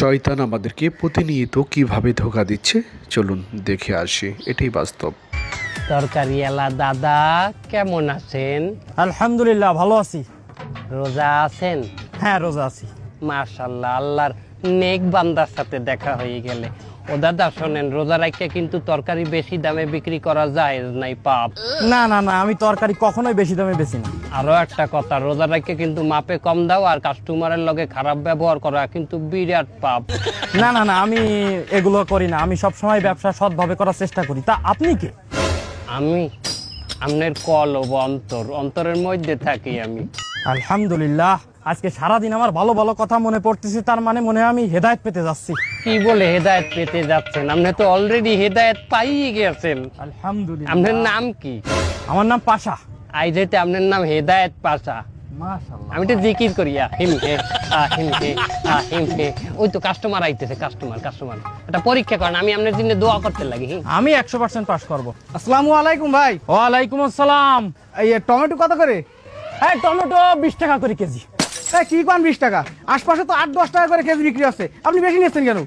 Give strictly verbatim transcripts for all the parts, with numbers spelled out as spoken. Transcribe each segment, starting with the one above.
শয়তান আমাদেরকে প্রতিনিয়ত কিভাবে ধোঁকা দিচ্ছে চলুন দেখে আসি, এটাই বাস্তব। তরকারি এলা দাদা কেমন আছেন? আলহামদুলিল্লাহ ভালো আছি। রোজা আছেন? হ্যাঁ রোজা আছি। মাশাআল্লাহ, আল্লাহর নেক বান্দার সাথে দেখা হয়ে গেলে। ও দাদা শোনেন, রোজা রাখতে কিন্তু তরকারি বেশি দামে বিক্রি করা যায় নাই, পাপ। না না না, আমি তরকারি কখনোই বেশি দামে বেশি না। আরো একটা কথা, রোজা রাখতে কিন্তু মাপে কম দাও আর কাস্টমারের লগে খারাপ ব্যবহার করা কিন্তু বিরাট পাপ। না না না, আমি এগুলো করি না। আমি সব সময় ব্যবসা সৎভাবে করার চেষ্টা করি। তা আপনি কে? আমি আপনার কলব অন্তর, অন্তরের মধ্যে থাকি আমি। আলহামদুলিল্লাহ, আজকে সারাদিন আমার ভালো ভালো কথা মনে পড়তেছে, তার মানে মনে হয় আমি হেদায়েত পেতে যাচ্ছি। কি বলে হেদায়েত পেতে যাচ্ছেন? আপনি তো অলরেডি হেদায়েত পাইয়ে গেছেন। আলহামদুলিল্লাহ। আপনার নাম কি? আমার নাম পাশা। আই যেতে আপনার নাম হেদায়েত পাশা। মাশাআল্লাহ। আমি তো জিকির করি আহিম হে আহিম হে আহিম হে। ওই তো কাস্টমার আইতেছে, কাস্টমার কাস্টমার এটা পরীক্ষা করেন, আমি আপনার জন্য দোয়া করতে লাগি। আমি একশো পার্সেন্ট পাস করবো। আসসালামু আলাইকুম ভাই। ওয়ালাইকুম আসসালাম। এই টমেটো কত করে? হ্যাঁ টমেটো বিশ টাকা করে কেজি। এই কি পান বিশ টাকা? আশপাশে তো আট দশ টাকা করে কেজি বিক্রি আছে, আপনি বেশি নিচ্ছেন কেন?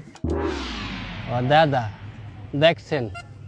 ও দাদা দেখছেন,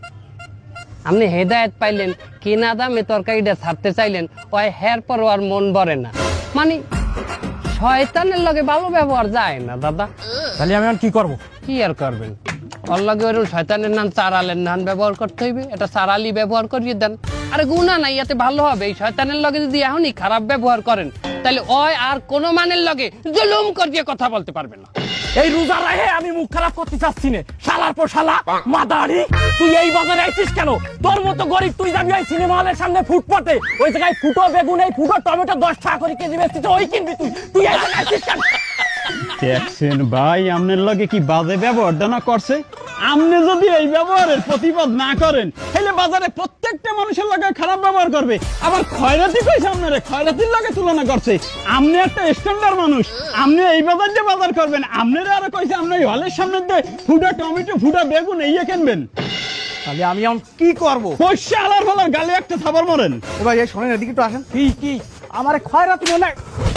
আপনি হেদায়েত পাইলেন, কিনা দামে তরকারিটা ছাড়তে চাইলেন, ওই হের পর আর মন ভরে না। মানে শয়তানের লগে ভালো ব্যবহার যায় না দাদা। তাহলে আমি এখন কি করবো? কি আর করবেন, ওর লগে ওরকম শয়তানের নাম চারালের নাম ব্যবহার করতে হইবে। এটা চারালি ব্যবহার করিয়ে দেন, আরে গুণা নাই, এতে ভালো হবে। এই শয়তানের লগে যদি এখনই খারাপ ব্যবহার করেন, তাহলে ওই আর কোনো মানের লগে জুলুম করিয়ে কথা বলতে পারবে না। এই রোজা রাহে আমি মুখ খারাপ করতে চাচ্ছি না। শালার পর শালা মাদারি, তুই এই বাজারে আইছিস কেন? তোর মতো গরিব তুই যাবি ওই সিনেমা হলের সামনে ফুটপাতে, ওই জায়গায় ফুটো বেগুন এই ফুটো টমেটো দশ টাকা করে কেজি বেচছিস, ওই কিনবি তুই? তুই এই জায়গায় আইছিস কেন? দেখছেন ভাই, আপনার লগে কি বাজে ব্যবহারটা না করছে? আপনি যদি এই ব্যবহারের প্রতিবাদ না করেন, তাহলে বাজারে প্রত্যেকটা মানুষের লগে খারাপ ব্যবহার করবে। আবার খয়রাতি কইছে আপনারে, খয়রাতির লগে তুলনা করছে। আপনি একটা স্ট্যান্ডার্ড মানুষ, আপনি এই বাজার দিয়ে বাজার করবেন। আপনারা আরো কইছে আপনি এই হলের সামনে দিয়ে ফুটা টমেটো ফুটা বেগুন এই কিনবেন। তাহলে আমি এখন কি করবো? পয়সা আলার ফলার গালে একটা থাবার মরেন। এ ভাই এই শোনেন, এদিকে একটু আসেন। কি কি আমার খয়রাতি মনে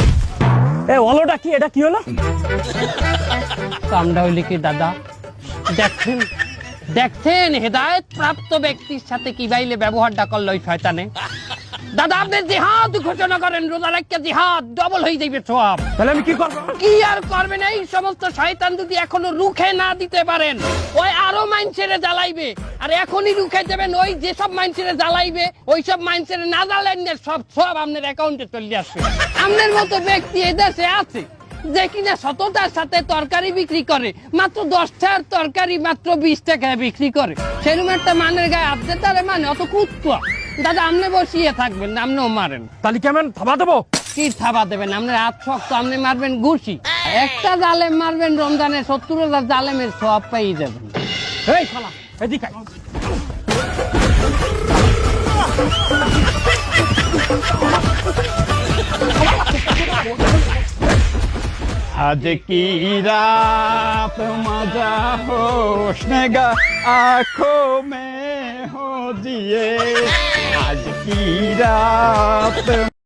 এ ওলোটা কি? এটা কি হলো? কামটা হইলে কি দাদা? দেখছেন দেখছেন হেদায়েত প্রাপ্ত ব্যক্তির সাথে কি বাইলে ব্যবহারটা করলো ওই শয়তানে। দাদা আপনি জিহাদ ঘোষণা করেন, রোজা রাখতে জিহাদ ডবল হয়ে যাবে সব। তাহলে আমি কি করবো? কি আর করবেন? এই সমস্ত শয়তান যদি এখনো রুখে না দিতে পারেন, ওই আরো মাইনছেরে জ্বালাইবে। আর এখনই রুখে দেবেন, ওই যেসব মাইনছেরে জ্বালাইবে ওই সব মাইনছেরে না জ্বালেন না, সব সব আপনার অ্যাকাউন্টে চলে আসবে। আপনার মতো ব্যক্তি এদেশে আছে যে কিনা সততার সাথে তরকারি বিক্রি করে, মাত্র দশটার তরকারি মাত্র বিশ টাকায় বিক্রি করে। সেরকম একটা মানের গায়ে আপনি তারে মানে অত কুত্তা। দাদা আপনি বসিয়ে থাকবেন, আপনিও মারেন। তাহলে কেমন থাবা দেবো? কি থাবা দেবেন? আপনার হাত শক্ত, আপনি মারবেন ঘুষি। একটা জালেম মারবেন রমজানে, সত্তর হাজার জালেমের সব পেয়ে যাবেন। এই শালা এদিকে আয়। आज की रात मजा होशनेगा आंखों में हो जिए। आज की रात